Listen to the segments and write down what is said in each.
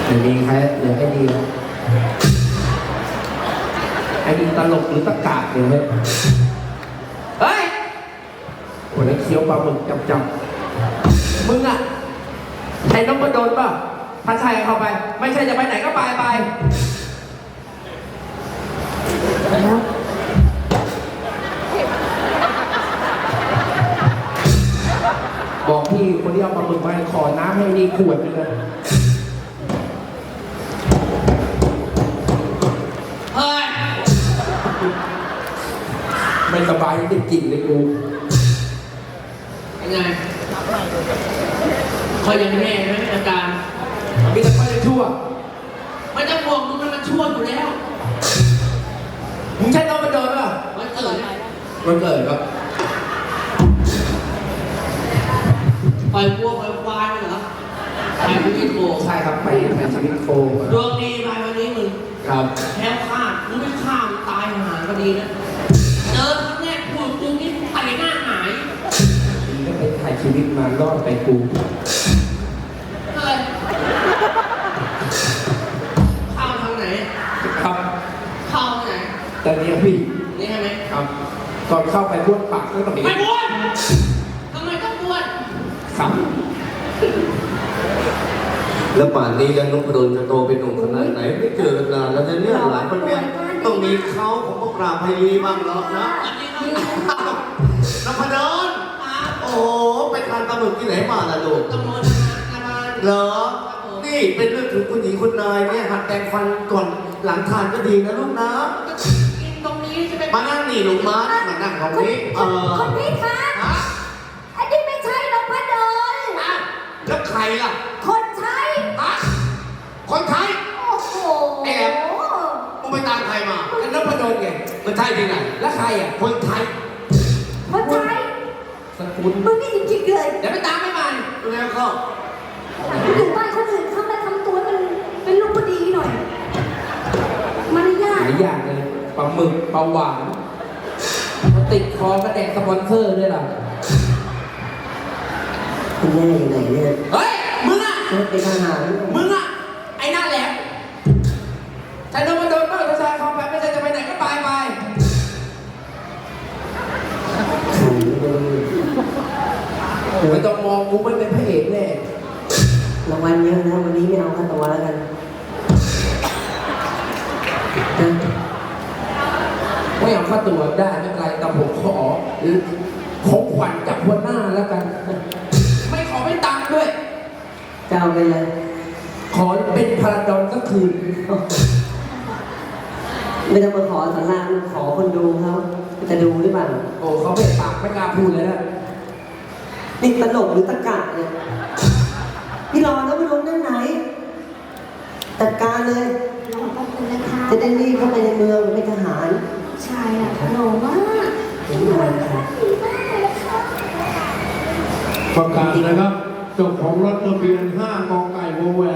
ไม่มีใครเหลือไอ้ดีไอ้ดีตลกหรือตะกาดเนี่ยเฮ้ยวันนี้เคี้ยวปลาหมึกจับมึงอะใช้น้องมาโดนป่ะถ้าใช่เข้าไปไม่ใช่จะไปไหนก็ไปบอกพี่คนที่เอาปลาหมึกมาขอน้ำให้นี่ขวดนึงเลยไม่สบายติดกลิ่นเลยกูยังไงคอยยังแม่ไหมอาการมีแต่คอยชั่วไม่ต้องห่วงมึงมันชั่วอยู่แล้วมึงใช่ต้องมาโดนป่ะวันเกิดครับปล่อยวัวปล่อยควายเหรอไปชีวิตโคใช่ครับไปชีวิตโคดวงดีไปวันนี้มึงครับแค่ฆ่ามึงไม่ฆ่ามึงตายหาก็ดีนะเจอครั้งแรกพูดกูนี่ไต่หน้าหายมึงก็ไปถ่ายชีวิตมารอดไปกูอะไรเข้าทางไหนครับเข้าทางไหนแต่นี้พี่นี่ใช่ไหมครับก่อนเข้าไปบ้วนปากก็ต้องไม่บ้วนทำไมต้องบ้วนครับแล้วป่านนี้แล้วนพดลจะโตเป็นหนุ่มขนาดไหนไม่เจอกันนานแล้วเนี่ยหลายคนเนี่ยต้องมีเขาของพวกเราไพลีบ้างหรอกนะนพดลโอ้โหไปทานปลาหมึกที่ไหนมาล่ะลูกเหรอนี่เป็นเรื่องถึงคุณหญิงคุณนายเนี่ยหัดแต่งฟันก่อนหลังทานก็ดีนะลูกนะตรงนี้จะเป็นมานั่งนี่ลูกมานั่งตรงนี้คนนี้คะอันนี้ไม่ใช่นพดลแล้วใครล่ะคนใช้คนไทยโอ้โหแอบมึงไปตามใครมาไอ้นพดลไงมันใช่ที่ไหนแล้วใครอ่ะคนไทยคนใช้สกุลมึงนี่จริงๆเลยเดี๋ยวไปตามไม่มาแล้วก็อยู่บ้านคนอื่นเขามาทำตัวมันเป็นลูกพอดีหน่อยมารยาทหลายอย่างเลยปลาหมึกปลาหวานติดคอกระแดกสปอนเซอร์ด้วยล่ะคุณแม่ยังไงเนี่ยเฮ้ยมึงอ่ะเป็นทหารมึงอ่ะไอ้หน้าแหลมใช้นพดลบ้างถ้าใช้เข้าไปไม่ใช่จะไปไหนก็ไปไม่ต้องมองกูไม่เป็นพระเอกแน่รางวัลเยอะนะวันนี้ไม่เอาค่าตัวแล้วกันไม่เอาค่าตัวได้ไม่เป็นไรแต่ผมขอของขวัญจากหัวหน้าแล้วกันไม่ขอไม่ตังค์ด้วยจะเอาไปเลยขอเป็นพาราดอนก็คืนไม่ต้องมาขอสารามขอคนดูเขาจะดูหรือเปล่าโอ้เขาเป็นปากไม่กล้าพูดเลยนะนี่ตลกหรือตะกะเนี่ยพี่รอแล้วไปลงด้านไหนจัดการเลยจะได้รีบเข้าไปในเมืองเป็นทหารใช่อ่ะหล่อมากสวยมากดีมากเลยค่ะประกาศนะครับเจ้าของรถทะเบียน5 กไก่วแหวน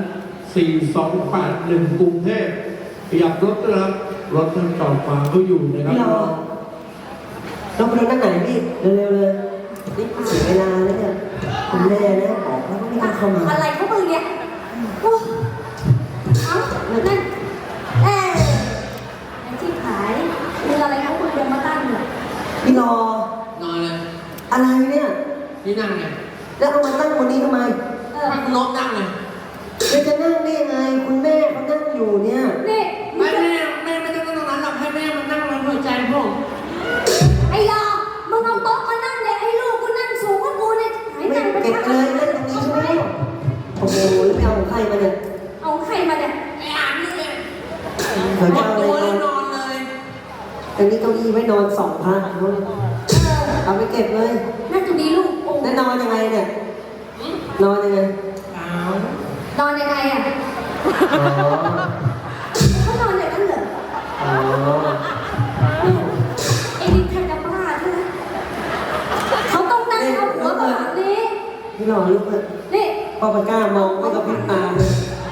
4281 กรุงเทพขยับรถนะครับรถท่านจอดฝาเขาอยู่นะครับพี่รอต้องไปด้านไหนพี่เร็วๆเลยนี่เสียเวลาแล้วเนี่ยคุณแม่นะออกแล้วก็ไม่ได้เข้ามาอะไรเขามึงเนี่ยโอ้เอานั่นไอ้ที่ขายมีอะไรเขาคุณจะมาตั้งเนี่ยพี่รอนอนเลยอะไรเนี่ยนี่นั่งไงแล้วเอามาตั้งบนนี้ทำไมให้คุณน้องนั่งเลยจะนั่งได้ยังไงคุณแม่เขานั่งอยู่เนี่ยนี่ไม่ไม่ต้องนั่งตรงนั้นหรอกให้แม่มันนั่งบนหัวใจผมไอ้รอมึงเอาโต๊ะมานั่งเลยให้ลูกกูนั่งสูงกว่ากูเนี่ยไม่เก็บเลยนั่งตรงนี้ใช่ไหมโอ้โหแล้วไม่เอาของใครมาเนี่ยเอาใครมาเนี่ยไอ้อ่านนี่เลยเดี๋ยวจะเอาตัวเลยนอนเลยตรงนี้เก้าอี้ไว้นอน2 พันเอาไปเก็บเลยน่าจะดีลูกแล้วนอนยังไงเนี่ยนอนยังไงนอนยังไงอ่ะเขานอนอย่างนั้นเหรอไอ้นี่ใครจะบ้าใช่ไหมเขาต้องนั่งเอาหัวแบบนี้พี่หล่อลูกเลยนี่พอปากกามองไม่กระพริบตาเลย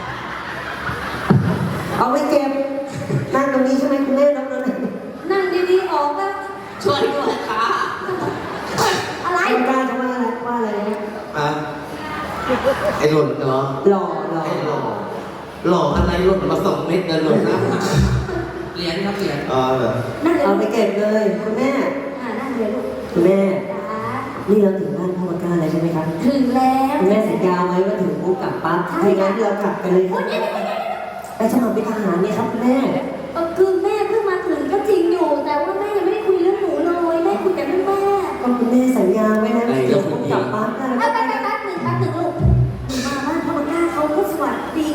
เอาไว้เก็บนั่งตรงนี้ใช่ไหมคุณแม่นั่งตรงนั้นนั่งดีๆออกแล้วช่วยด้วยค่ะอะไรคุณกล้าจะว่าอะไรเนี่ยไอ้หล่นเหรอหล่อไอ้หล่อหล่ออะไรหล่นมา2 เม็ดกันเลยนะเหรียญครับเหรียญเหรอนั่งเลยเอาไปเก็บเลยคุณแม่นั่งเลยลูกคุณแม่จ้านี่เราถึงบ้านพ่อก้าแล้วใช่ไหมครับถึงแล้วคุณแม่สัญญาไว้ว่าถึงปุ๊บกลับปั๊บถ้าอย่างนั้นเรากลับกันเลยโอ๊ยเดี๋ยวไปสมัครเป็นทหารเนี่ยครับคุณแม่เ